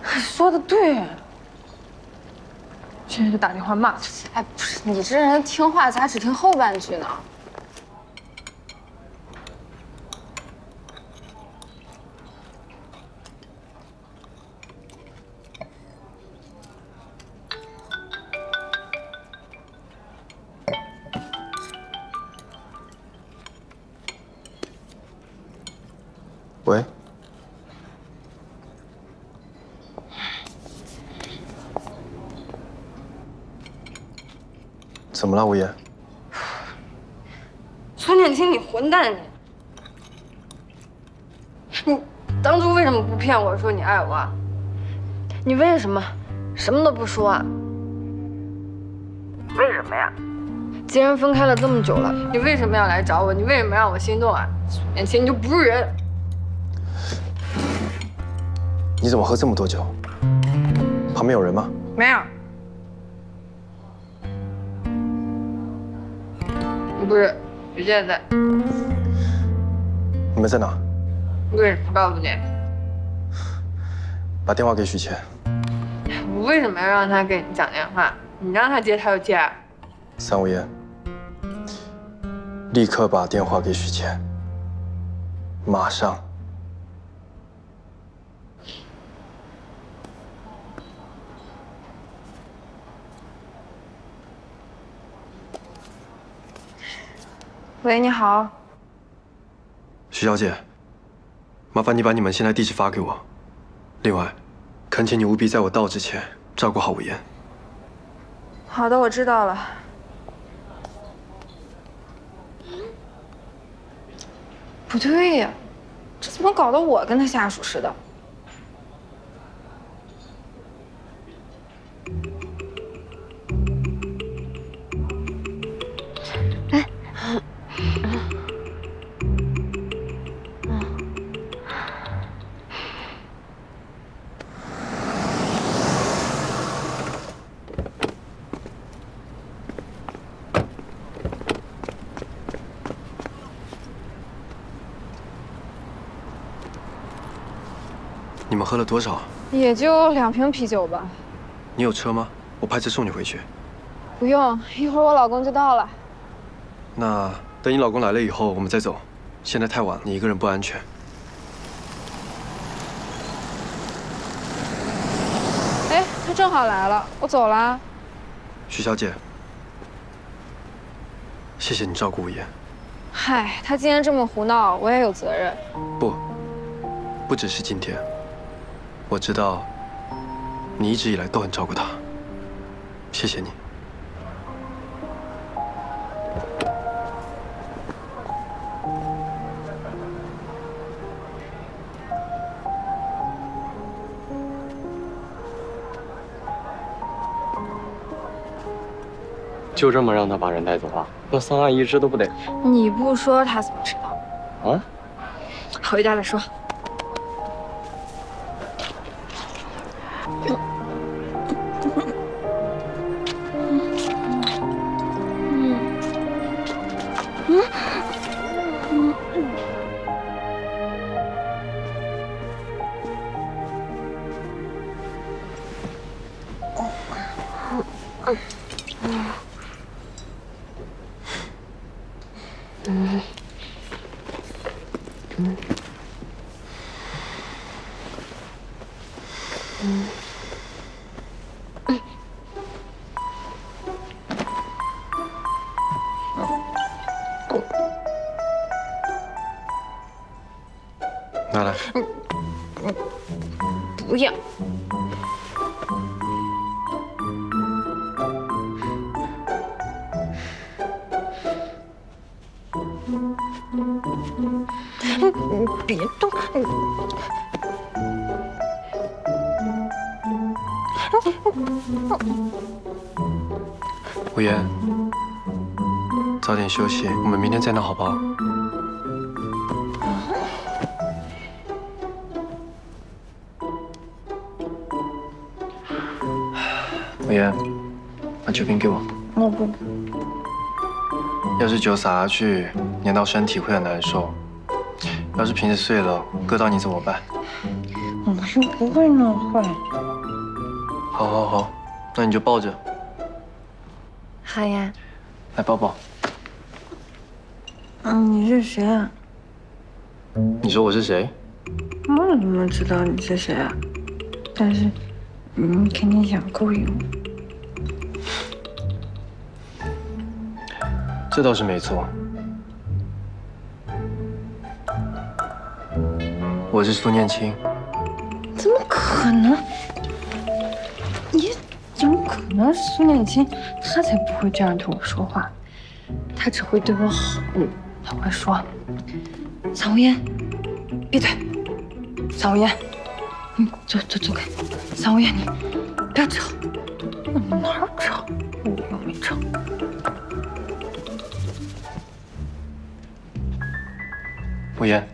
说的对，现在就打电话骂他。 哎，不是你这人听话，咋只听后半句呢？ 喂，怎么了，吴言？ 孙念青，你混蛋你当初为什么不骗我说你爱我啊？你为什么什么都不说啊？为什么呀？既然分开了这么久了，你为什么要来找我？你为什么让我心动啊？孙念青，你就不是人！ 你怎么喝这么多酒？旁边有人吗？ 没有。不是，许健在。 你们在哪？ 为什么告诉你？ 把电话给许谦。 我为什么要让他给你讲电话？你让他接他就接啊。 三无言，立刻把电话给许谦，马上。 喂，你好。 徐小姐，麻烦你把你们现在地址发给我。另外，恳请你务必在我到之前照顾好无言。 好的，我知道了。不对呀，这怎么搞得我跟他下属似的？ 你们喝了多少？ 也就2瓶啤酒吧。 你有车吗？我派车送你回去。 不用，一会儿我老公就到了。 那等你老公来了以后，我们再走。现在太晚了，你一个人不安全。 哎，他正好来了，我走了。 徐小姐，谢谢你照顾无言。 嗨，他今天这么胡闹，我也有责任。 不只是今天。我知道，你一直以来都很照顾他，谢谢你。 就这么让他把人带走了？那3阿姨知都不得。 你不说他怎么知道？ 啊？ 回家再说。 拿来。 不要。别动！ 无言，早点休息，我们明天再闹好不好？无言，把酒瓶给我。 我不。 要是酒洒下去，粘到身体会很难受。要是瓶子碎了，割到你怎么办？ 我没是不会那么坏。 好，好，好，那你就抱着， 好呀。 来抱抱。 你是谁啊？ 你说我是谁？ 我怎么知道你是谁啊？但是你肯定想勾引我。 这倒是没错。我是苏念青。 怎么可能？你怎么可能是苏念青？他才不会这样对我说话，他只会对我好。他会说：“桑无言，闭嘴！桑无言，你走开！桑无言，你不要吵！你哪儿吵？我又没吵。” 无言。